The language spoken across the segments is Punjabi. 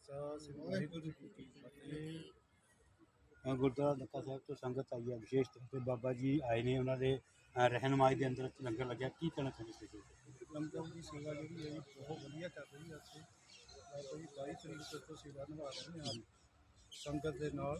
ਖਾਲਸਾ ਸ੍ਰੀ ਵਾਹਿਗੁਰੂ ਜੀ ਕੀ ਫਤਿਹ। ਗੁਰਦੁਆਰਾ ਨੱਕਾ ਸਾਹਿਬ ਤੋਂ ਸੰਗਤ ਆਈ ਹੈ, ਵਿਸ਼ੇਸ਼ ਤੌਰ 'ਤੇ ਬਾਬਾ ਜੀ ਆਏ ਨੇ, ਉਹਨਾਂ ਦੇ ਰਹਿਨੁਮਾਈ ਦੇ ਅੰਦਰ ਲੰਗਰ ਲੱਗਿਆ। ਕੀ ਕਹਿਣਾ ਚਾਹੁੰਦੇ ਤੁਸੀਂ? ਲੰਗਰ ਦੀ ਸੇਵਾ ਜਿਹੜੀ ਹੈ ਜੀ ਬਹੁਤ ਵਧੀਆ ਚੱਲ ਰਹੀ ਹੈ ਇੱਥੇ। ਬਾਬਾ ਜੀ 22 ਤਰੀਕ ਤੋਂ ਸੇਵਾ ਨਿਭਾ ਰਹੇ ਨੇ ਸੰਗਤ ਦੇ ਨਾਲ।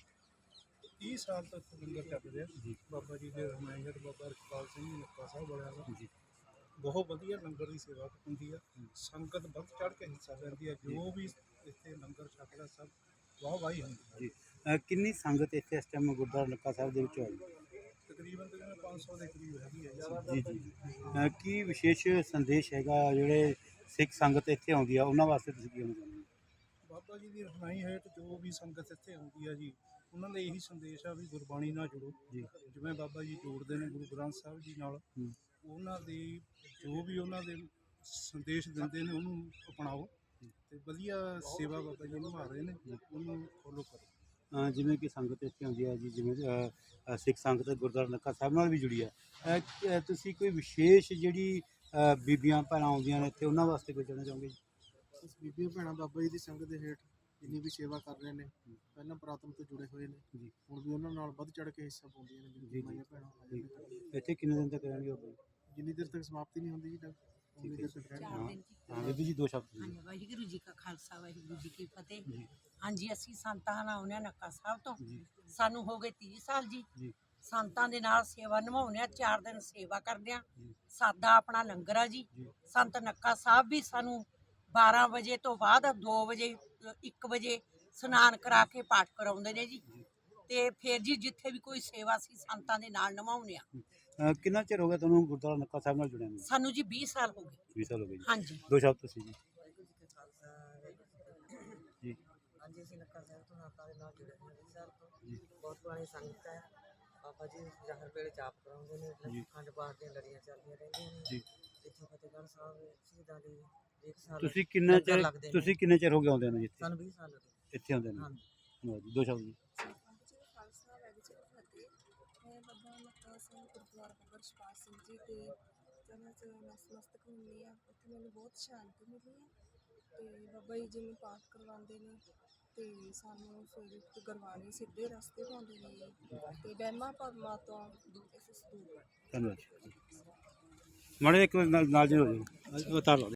30 ਸਾਲ ਤੋਂ ਇੱਥੇ ਲੰਗਰ ਚੱਲ ਰਿਹਾ ਜੀ। ਬਾਬਾ ਜੀ ਦੇ ਰਹਿਨੁਮਾਈ ਬਾਬਾ ਰਖਪਾਲ ਸਿੰਘ ਜੀ ਨੱਕਾ ਸਾਹਿਬ ਵਾਲਿਆਂ ਦਾ ਜੀ, ਬਹੁਤ ਵਧੀਆ ਲੰਗਰ ਦੀ ਸੇਵਾ ਹੁੰਦੀ ਹੈ। ਸੰਗਤ ਵੱਧ ਚੜ੍ਹ ਕੇ ਹਿੱਸਾ ਲੈਂਦੀ ਹੈ। ਜੋ ਵੀ ਇੱਥੇ ਲੰਗਰ ਛਕਦਾ ਸਭ ਵਾਹ ਵਾਹੀ ਹੁੰਦੀ ਹੈ ਜੀ। ਕਿੰਨੀ ਸੰਗਤ ਇੱਥੇ ਇਸ ਟਾਈਮ ਗੁਰਦੁਆਰਾ ਨੱਕਾ ਸਾਹਿਬ ਦੇ ਵਿੱਚ ਹੋਈ? ਤਕਰੀਬਨ 500 ਦੇ ਕਰੀਬ ਹੈਗੀ ਹੈ ਜੀ ਜੀ। ਕੀ ਵਿਸ਼ੇਸ਼ ਸੰਦੇਸ਼ ਹੈਗਾ ਜਿਹੜੇ ਸਿੱਖ ਸੰਗਤ ਇੱਥੇ ਆਉਂਦੀ ਆ ਉਹਨਾਂ ਵਾਸਤੇ ਤੁਸੀਂ ਕੀ ਕਹਿਣਾ ਚਾਹੁੰਦੇ ਹੋ? ਬਾਬਾ ਜੀ ਦੀ ਰਹਿਨੁਮਾਈ ਹੇਠ ਜੋ ਵੀ ਸੰਗਤ ਇੱਥੇ ਆਉਂਦੀ ਹੈ ਜੀ, ਉਹਨਾਂ ਦਾ ਇਹੀ ਸੰਦੇਸ਼ ਆ ਵੀ ਗੁਰਬਾਣੀ ਨਾਲ ਜੁੜੋ ਜੀ। ਜਿਵੇਂ ਬਾਬਾ ਜੀ ਜੋੜਦੇ ਨੇ ਗੁਰੂ ਗ੍ਰੰਥ ਸਾਹਿਬ ਜੀ ਨਾਲ, ਉਹਨਾਂ ਦੀ ਜੋ ਵੀ ਉਹਨਾਂ ਦੇ ਸੰਦੇਸ਼ ਦਿੰਦੇ ਨੇ ਉਹਨੂੰ ਅਪਣਾਓ ਤੇ ਵਧੀਆ ਸੇਵਾ ਬਾਬਾ ਜੀ ਨਿਭਾ ਰਹੇ ਨੇ, ਉਹਨੂੰ ਫੋਲੋ ਕਰੋ। ਜਿਵੇਂ ਕਿ ਸੰਗਤ ਇੱਥੇ ਆਉਂਦੀ ਹੈ ਜੀ, ਜਿਵੇਂ ਸਿੱਖ ਸੰਗਤ ਗੁਰਦੁਆਰਾ ਨੱਕਾ ਸਾਹਿਬ ਨਾਲ ਵੀ ਜੁੜੀ ਹੈ, ਤੁਸੀਂ ਕੋਈ ਵਿਸ਼ੇਸ਼ ਜਿਹੜੀ ਬੀਬੀਆਂ ਭੈਣਾਂ ਆਉਂਦੀਆਂ ਨੇ ਇੱਥੇ ਉਹਨਾਂ ਵਾਸਤੇ ਕੋਈ ਕਹਿਣਾ ਚਾਹੋਗੇ ਜੀ? ਬੀਬੀਆਂ ਭੈਣਾਂ ਬਾਬਾ ਜੀ ਦੀ ਸੰਗਤ ਦੇ ਹੇਠ ਜਿੰਨੀ ਵੀ ਸੇਵਾ ਕਰ ਰਹੇ ਨੇ, ਪਹਿਲਾਂ ਪੁਰਾਤਨ ਤੋਂ ਜੁੜੇ ਹੋਏ ਨੇ ਜੀ। ਹੁਣ ਵੀ ਉਹਨਾਂ ਨਾਲ ਵੱਧ ਚੜ੍ਹ ਕੇ ਹਿੱਸਾ ਪਾਉਂਦੀਆਂ ਨੇ ਜੀ। ਮਾਈਆਂ ਭੈਣਾਂ। ਇੱਥੇ ਕਿੰਨੇ ਦਿਨ ਤੱਕ ਰਹਿਣਗੇ ਬਾਬਾ ਜੀ? ਜਿੰਨੀ ਦੇਰ ਤੱਕ ਸਮਾਪਤੀ ਨਹੀਂ ਹੁੰਦੀ ਜੀ ਉਨੀ ਦੇਰ ਤੱਕ ਰਹਿਣਗੇ। ਹਾਂ ਬੀਬੀ ਜੀ, 2 ਸ਼ਬਦ। ਹਾਂਜੀ, ਵਾਹਿਗੁਰੂ ਜੀ ਕਾ ਖਾਲਸਾ ਵਾਹਿਗੁਰੂ ਜੀ ਕੀ ਫਤਿਹ। ਜੀ ਹਾਂਜੀ, ਅਸੀਂ ਸੰਤਾਂ ਨਾਲ ਆਉਂਦੇ ਹਾਂ ਨੱਕਾ ਸਾਹਿਬ ਤੋਂ। ਜੀ ਸਾਨੂੰ ਹੋ ਗਏ 30 ਸਾਲ ਜੀ। ਜੀ ਸੰਤਾਂ ਦੇ ਨਾਲ ਸੇਵਾ ਨਿਭਾਉਂਦੇ ਹਾਂ, 4 ਦਿਨ ਸੇਵਾ ਕਰਦੇ ਹਾਂ। ਜੀ ਸਾਦਾ ਆਪਣਾ ਲੰਗਰ ਆ ਜੀ। ਜੀ। ਸੰਤ ਨੱਕਾ ਸਾਹਿਬ ਵੀ ਸਾਨੂੰ 12 ਵਜੇ ਤੋਂ ਬਾਅਦ 2 ਵਜੇ 1 ਵਜੇ ਇਸ਼ਨਾਨ ਕਰਾ ਕੇ ਪਾਠ ਕਰਾਉਂਦੇ ਨੇ ਜੀ। ਤੇ ਫਿਰ ਜੀ ਜਿੱਥੇ ਵੀ ਕੋਈ ਸੇਵਾ ਸੀ ਸੰਤਾਂ ਦੇ ਨਾਲ ਨਿਭਾਉਂਦੇ ਆ। ਕਿੰਨਾ ਚਿਰ ਹੋ ਗਿਆ ਤੁਹਾਨੂੰ ਗੁਰਦੁਆਰਾ ਨੱਕਾ ਸਾਹਿਬ ਨਾਲ ਜੁੜਿਆ ਨੂੰ? ਸਾਨੂੰ ਜੀ 20 ਸਾਲ ਹੋ ਗਏ। 20 ਸਾਲ ਹੋ ਗਏ ਜੀ। ਹਾਂਜੀ। 2 ਸ਼ਬਦ ਤੁਸੀਂ ਜੀ। ਵਾਹਿਗੁਰੂ ਜੀ ਕਾ ਖਾਲਸਾ ਵਾਹਿਗੁਰੂ ਜੀ ਕੀ ਫਤਿਹ। ਜੀ ਹਾਂਜੀ, ਅਸੀਂ ਨੱਕਾ ਸਾਹਿਬ ਤੋਂ ਸੰਤਾਂ ਦੇ ਨਾਲ ਜੁੜੇ ਹੋਏ 20 ਸਾਲ ਤੋਂ। ਜੀ। ਬਹੁਤ ਪੁਰਾਣੀ ਸੰਗਤ ਹੈ। ਬਾਬਾ ਜੀ ਜ਼ਾਹਰ ਵੇਲੇ ਜਾਪ ਕਰਾਉਂਦੇ ਜੀ। ਨੇ, ਅਖੰਡ ਪਾਠ ਦੀਆਂ ਲੜੀਆਂ ਚੱਲਦੀਆਂ ਰਹਿੰਦੀਆਂ ਨੇ। ਜੀ। ਇੱਥੋਂ ਫਤਿਹਗੜ੍ਹ ਸਾਹਿਬ ਸ਼ਹੀਦਾਂ ਦੀ 1 ਸਾਲ ਤੁਸੀਂ ਕਿੰਨਾ ਲੰਗਰ ਚਿਰ ਲੱਗਦੇ ਨੇ। ਤੁਸੀਂ ਕਿੰਨੇ ਚਿਰ ਹੋ ਗਏ ਆਉਂਦੇ ਨੂੰ ਜੀ ਇੱਥੇ? ਸਾਨੂੰ 20 ਸਾਲ ਹੋ ਗਏ। ਇੱਥੇ ਆਉਂਦੇ ਨੇ? ਹਾਂਜੀ। ਧੰਨਵਾਦ ਜੀ। 2 ਸ਼ਬਦ ਜੀ। ਖਾਲਸਾ ਵਾਹਿਗੁਰੂ ਜੀ ਕੀ ਫਤਿਹ। ਮੈਂ ਬਾਬਾ ਨੱਕਾ ਸਿੰਘ ਗੁਰਦੁਆਰਾ ਬਾਬਾ ਰਛਪਾਲ ਸਿੰਘ ਜੀ ਦੇ ਚਰਨਾਂ 'ਚ ਨਤਮਸਤਕ ਹੁੰਦੀ ਹਾਂ। ਉੱਥੇ ਮੈਨੂੰ ਬਹੁਤ ਸ਼ਾਂਤੀ ਮਿਲੀ ਹੈ ਅਤੇ ਬਾਬਾ ਜੀ ਜਿਵੇਂ ਪਾਠ ਕਰਵਾਉਂਦੇ ਨੇ ਅਤੇ ਸਾਨੂੰ ਸਵੇਰੇ ਗੁਰਬਾਣੀ ਸਿੱਧੇ ਰਸਤੇ ਪਾਉਂਦੇ ਨੇ ਅਤੇ ਵਹਿਮਾਂ ਭਰਮਾਂ ਤੋਂ ਦੂਰ ਧੰਨਵਾਦ ਜੀ। ਮਾੜੇ ਇੱਕ ਨਾਲ ਜੀ ਹੋ ਜਾਓ, ਉਤਾਰ ਲਓ।